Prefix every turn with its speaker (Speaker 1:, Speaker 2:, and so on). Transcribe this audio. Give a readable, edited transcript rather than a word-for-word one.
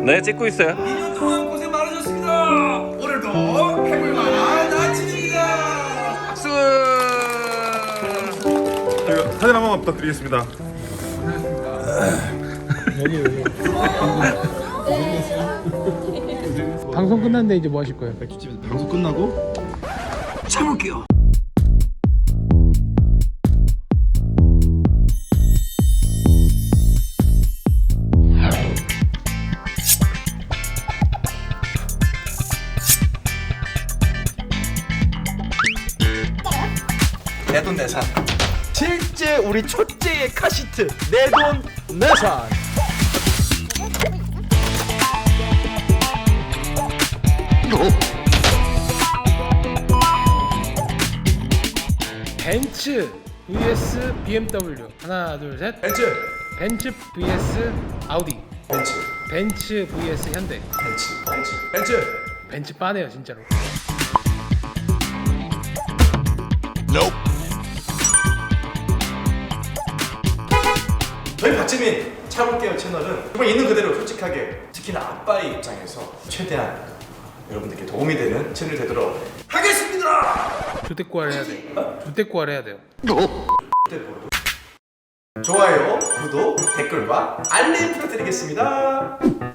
Speaker 1: 네, 찍고 있어요.
Speaker 2: 2년 동안 고생 많으셨습니다. 오늘도 해볼 만한 아침입니다.
Speaker 1: 박수.
Speaker 3: 저희가 사진 한 번만 부탁드리겠습니다.
Speaker 4: 방송 끝났는데 이제 뭐 하실 거예요?
Speaker 3: 맥주집에서 방송 끝나고
Speaker 2: 참을게요. 내돈내산. 실제 우리 초째의 카시트 내돈내산.
Speaker 4: 벤츠 vs BMW. 하나 둘 셋.
Speaker 2: 벤츠.
Speaker 4: 벤츠 vs 아우디.
Speaker 2: 벤츠.
Speaker 4: 벤츠 vs 현대.
Speaker 2: 벤츠.
Speaker 4: 벤츠 빠네요 진짜로.
Speaker 2: 저희 박지민 차볼게요 채널은 정말 있는 그대로 솔직하게 특히나 아빠의 입장에서 최대한 여러분들께 도움이 되는 채널 되도록 하겠습니다.
Speaker 4: 주택구할 해야 돼. 주택구할 해야 돼요.
Speaker 2: 좋아요, 구독, 댓글과 알림 부탁드리겠습니다.